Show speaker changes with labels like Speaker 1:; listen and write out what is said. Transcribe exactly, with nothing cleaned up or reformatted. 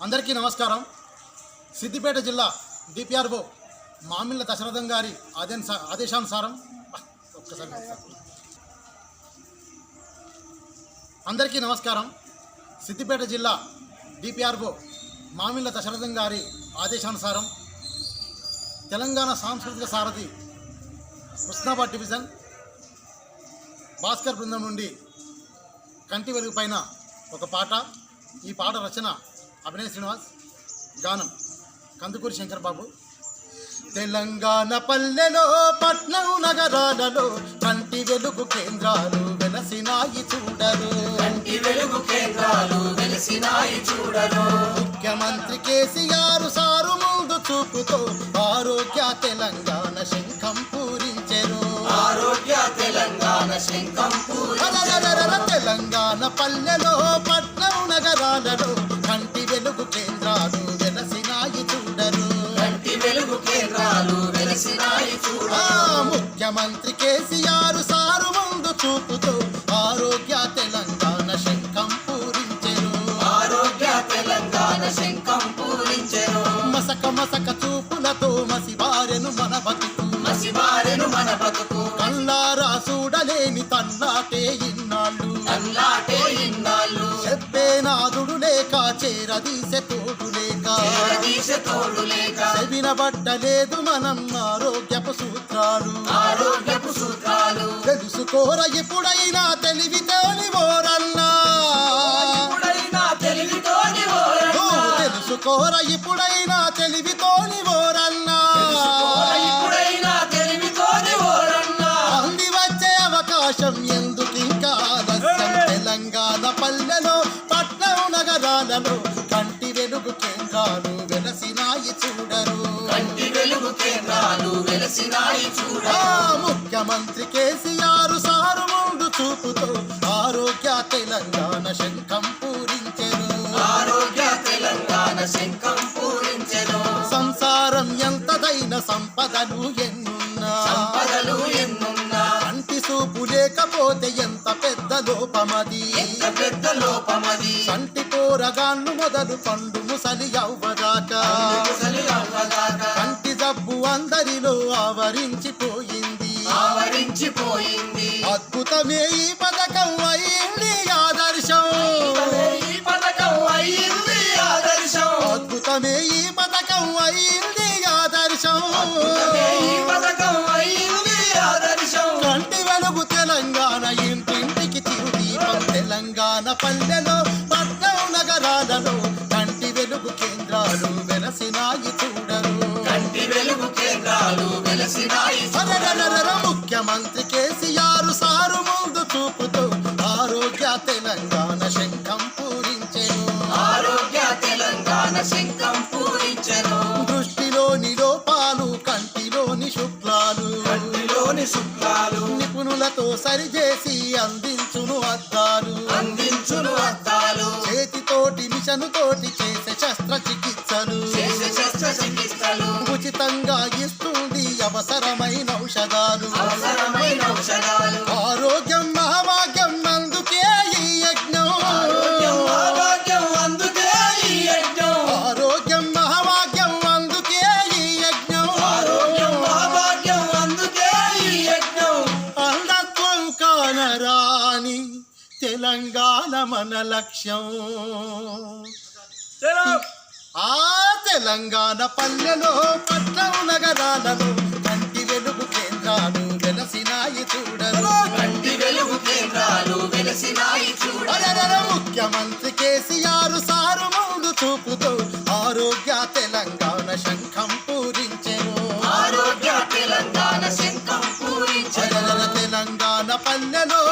Speaker 1: అందరికీ నమస్కారం. సిద్దిపేట జిల్లా డిపిఆర్ఓ మామిళ్ళ దశరథం గారి ఆదేశానుసారం ఒక్కసారి అందరికీ నమస్కారం. సిద్దిపేట జిల్లా డిపిఆర్ఓ మామిళ్ళ దశరథం గారి ఆదేశానుసారం తెలంగాణ సాంస్కృతిక సారథి హుస్నాబాద్ డివిజన్ భాస్కర్ బృందం నుండి కంటి వెలుగు పైన ఒక పాట. ఈ పాట రచన అభినయ్ శ్రీనివాస్, గానం కందుకూరి శంకర్ బాబు. తెలంగాణ పల్లెలో పట్నం నగరాలలో కంటి వెలుగు కేంద్రాలు వెలసినాయి చూడరు,
Speaker 2: కంటి వెలుగు కేంద్రాలు వెలసినాయి చూడరు.
Speaker 1: ముఖ్యమంత్రి కేసీఆర్ సారు ముందు చూపుతో ఆరోగ్య తెలంగాణ శంఖం పూరించెరు,
Speaker 2: ఆరోగ్య తెలంగాణ శంఖం పూరించెరు.
Speaker 1: తెలంగాణ పల్లెలో పట్నం నగరాలలో కంటి వెలుగు కేంద్రాలు వెలసినాయి చూడరు,
Speaker 2: కంటి వెలుగు కేంద్రాలు వెలసినాయి చూడరు.
Speaker 1: ముఖ్యమంత్రి కేసీఆర్ సారు ముందు చూపుతో ఆరోగ్య తెలంగాణ శంఖం పూరించెరు,
Speaker 2: ఆరోగ్య తెలంగాణ శంఖం పూరించెరు.
Speaker 1: మసక మసక చూపులతో మసిబారెను మన బతుకు,
Speaker 2: మసిబారెను మన బతుకు.
Speaker 1: కళ్ళారా చూడలేని తల్లాటే ఇన్నాళ్ళు,
Speaker 2: తల్లాటే ఇన్నాళ్ళు.
Speaker 1: చెప్పే నాదుడు లేక చేరదీసె తోడు లేక,
Speaker 2: చేరదీసె తోడు లేక.
Speaker 1: వినబడ్డలేదు మనం ఆరోగ్యపు సూత్రాలు,
Speaker 2: ఆరోగ్యపు సూత్రాలు.
Speaker 1: తెలుసుకోర ఎప్పుడైనా తెలివితోని ఓరన్నా,
Speaker 2: ఎప్పుడైనా తెలివితోని ఓరన్నా.
Speaker 1: తెలుసుకోర ఇప్పుడైనా తెలివితోని ఓరన్నా,
Speaker 2: ఇప్పుడైనా తెలివితోని ఓరన్నా.
Speaker 1: అంది వచ్చే అవకాశం ఎందుకింకా ఆలస్యం. తెలంగాణ పల్లెలో పట్నం నగరాలలో కంటి వెలుగు కేంద్రాలు వెలసినాయి చూడరు,
Speaker 2: కంటి వెలుగు కేంద్రాలు వెలసినాయి చూడరు.
Speaker 1: ముఖ్యమంత్రి కేసీఆర్ సారు ముందు చూపుతో ఆరోగ్య తెలంగాణ శంఖం పూరించెరు,
Speaker 2: ఆరోగ్య తెలంగాణ శంఖం పూరించెరు.
Speaker 1: సంసారం ఎంతదైన సంపదలు ఎన్నున్నా,
Speaker 2: సంపదలు ఎన్నున్నా.
Speaker 1: కంటి చూపు లేకపోతే ఎంత పెద్ద లోపమది,
Speaker 2: ఎంత పెద్ద లోపమది.
Speaker 1: కంటి పోరగాళ్ళు మొదలు పండు ముసలి అవ్వదాకా,
Speaker 2: ముసలి అవ్వదాకా.
Speaker 1: కంటి జబ్బు అందరిలో ఆవరించిపోయింది,
Speaker 2: ఆవరించిపోయింది.
Speaker 1: అద్భుతమే ఈ పథకం అయింది ఆదర్శం,
Speaker 2: ఈ పథకం అయింది ఆదర్శం.
Speaker 1: అద్భుతమే ఈ పథకం అయింది ఆదర్శం.
Speaker 2: ఈ పథకం అయింది ఆదర్శం.
Speaker 1: కంటి వెలుగు తెలంగాణ ఇంటింటికి చిరుదీపం. తెలంగాణ పల్లెలో పట్నం నగరాలలో కంటి వెలుగు కేంద్రాలు వెలసినాయి చూడరు,
Speaker 2: కంటి వెలుగు కేంద్రాలు వెలసినాయి చూడరు.
Speaker 1: ముఖ్యమంత్రి కేసీఆర్ సారు ముందు చూపుతో ఆరోగ్య తెలంగాణ శంఖం పూరించెను,
Speaker 2: ఆరోగ్య తెలంగాణ శంఖం పూరించెను.
Speaker 1: దృష్టిలోని లోపాలు కంటిలోని శుక్లాలు,
Speaker 2: కంటిలోని శుక్లాలు.
Speaker 1: నిపుణులతో సరిచేసి అందించును అద్దాలు,
Speaker 2: అందించును అద్దాలు.
Speaker 1: చేతితోటి మిషను తోటి చేసే శస్త్రచికిత్సలు,
Speaker 2: చేసే శస్త్రచికిత్సలు.
Speaker 1: ఉచితంగా ఇస్తుంది అవసరమైన ఔషధాలు,
Speaker 2: అవసరమైన ఔషధాలు.
Speaker 1: ఆరోగ్యం మహాభాగ్యం అందుకే ఈ యజ్ఞం,
Speaker 2: ఆరోగ్యం మహాభాగ్యం అందుకే ఈ యజ్ఞం.
Speaker 1: ఆరోగ్యం మహాభాగ్యం అందుకే ఈ యజ్ఞం,
Speaker 2: ఆరోగ్యం మహాభాగ్యం అందుకే ఈ యజ్ఞం.
Speaker 1: అంధత్వం కానరాని తెలంగాణ మన లక్ష్యం. ఆ తెలంగాణ పల్లెలో పట్నం నగరాలలో కంటి వెలుగు కేంద్రాలు వెలసినాయి చూడరు,
Speaker 2: కంటి వెలుగు కేంద్రాలు వెలసినాయి చూడరు.
Speaker 1: ముఖ్యమంత్రి కేసీఆర్ సారు ముందు చూపుతో ఆరోగ్య తెలంగాణ శంఖం పూరించెను,
Speaker 2: ఆరోగ్య తెలంగాణ శంఖం పూరించెను.
Speaker 1: తెలంగాణ పల్లెలో